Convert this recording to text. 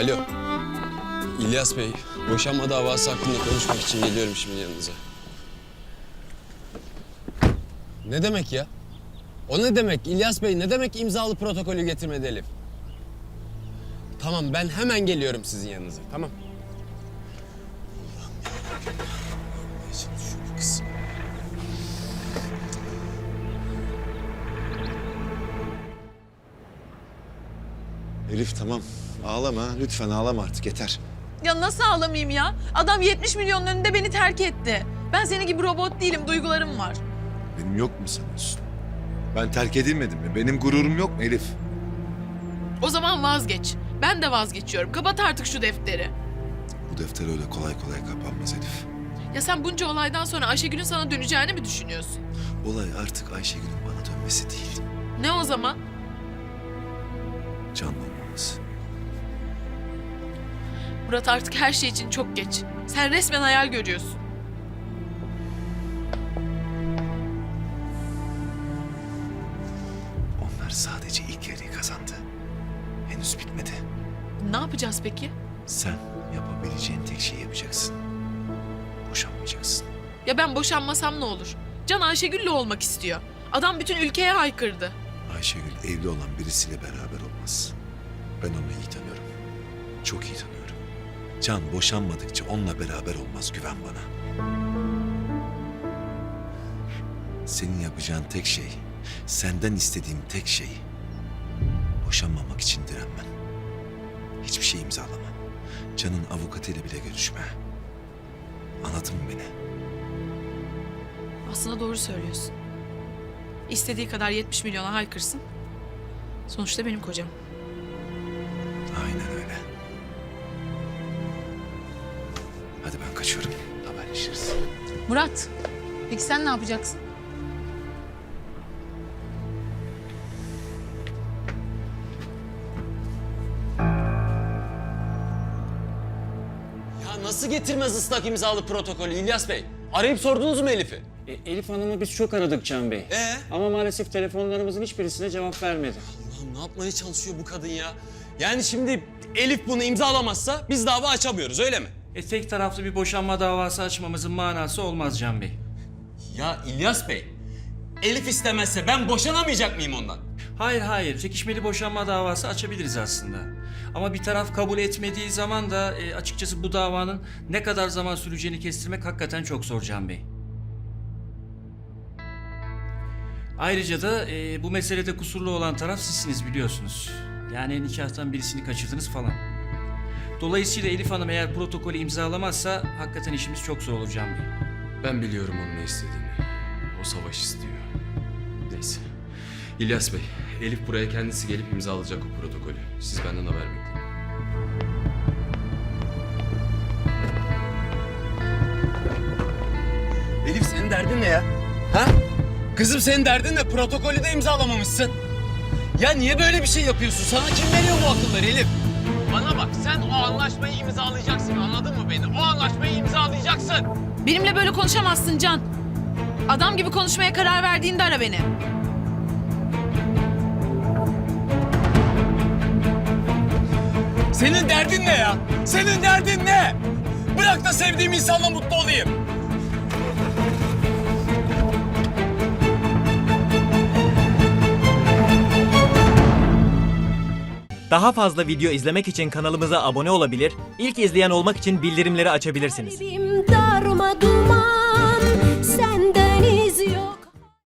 Alo. İlyas Bey, boşanma davası hakkında konuşmak için geliyorum şimdi yanınıza. Ne demek ya? O ne demek İlyas Bey? Ne demek imzalı protokolü getirmedi Elif? Tamam, ben hemen geliyorum sizin yanınıza, tamam. Allah'ım yarabbim. Ne çalışıyor bu kız? Elif tamam. Ağlama. Lütfen ağlama artık yeter. Ya nasıl ağlamayayım ya? Adam 70 milyonun önünde beni terk etti. Ben senin gibi robot değilim, duygularım var. Benim yok mu sanıyorsun? Ben terk edilmedim mi? Benim gururum yok mu Elif? O zaman vazgeç. Ben de vazgeçiyorum. Kapat artık şu defteri. Bu defter öyle kolay kolay kapanmaz Elif. Ya sen bunca olaydan sonra Ayşegül'ün sana döneceğini mi düşünüyorsun? Olay artık Ayşegül'ün bana dönmesi değil. Ne o zaman? Can olmamız. Murat, artık her şey için çok geç. Sen resmen hayal görüyorsun. Onlar sadece ilk yarıyı kazandı. Henüz bitmedi. Ne yapacağız peki? Sen yapabileceğin tek şeyi yapacaksın. Boşanmayacaksın. Ya ben boşanmasam ne olur? Can Ayşegül'le olmak istiyor. Adam bütün ülkeye haykırdı. Ayşegül evli olan birisiyle beraber olmaz. Ben onu iyi tanıyorum. Çok iyi tanıyorum. Can boşanmadıkça onunla beraber olmaz, güven bana. Senin yapacağın tek şey, senden istediğim tek şey boşanmamak için direnmen. Hiçbir şey imzalama. Can'ın avukatıyla bile görüşme. Anladın mı beni? Aslında doğru söylüyorsun. İstediği kadar 70 milyona haykırsın. Sonuçta benim kocam. Aynen öyle. Hadi ben kaçıyorum. Haberleşiriz. Murat, peki sen ne yapacaksın? Ya nasıl getirmez ıslak imzalı protokolü İlyas Bey? Arayıp sordunuz mu Elif'i? Elif Hanım'ı biz çok aradık Can Bey. Ama maalesef telefonlarımızın hiçbirisine cevap vermedi. Allah'ım, ne yapmaya çalışıyor bu kadın ya? Yani şimdi Elif bunu imzalamazsa biz dava açamıyoruz, öyle mi? Tek taraflı bir boşanma davası açmamızın manası olmaz Can Bey. Ya İlyas Bey, Elif istemezse ben boşanamayacak mıyım ondan? Hayır. Çekişmeli boşanma davası açabiliriz aslında. Ama bir taraf kabul etmediği zaman da açıkçası bu davanın ne kadar zaman süreceğini kestirmek hakikaten çok zor Can Bey. Ayrıca da bu meselede kusurlu olan taraf sizsiniz biliyorsunuz. Yani nikahtan birisini kaçırdınız falan. Dolayısıyla Elif Hanım eğer protokolü imzalamazsa hakikaten işimiz çok zor olur Can Bey. Ben biliyorum onun ne istediğini. O savaş istiyor. Neyse. İlyas Bey, Elif buraya kendisi gelip imzalayacak o protokolü. Siz benden haber bekleyin. Elif, senin derdin ne ya? Ha? Kızım, senin derdin ne? Protokolü de imzalamamışsın. Ya niye böyle bir şey yapıyorsun? Sana kim veriyor bu akılları Elif? Bana bak, sen o anlaşmayı imzalayacaksın, anladın mı beni? O anlaşmayı imzalayacaksın. Benimle böyle konuşamazsın Can. Adam gibi konuşmaya karar verdiğinde ara beni. Senin derdin ne ya? Senin derdin ne? Bırak da sevdiğim insanla mutlu olayım. Daha fazla video izlemek için kanalımıza abone olabilir, ilk izleyen olmak için bildirimleri açabilirsiniz. Kalbim darma duman.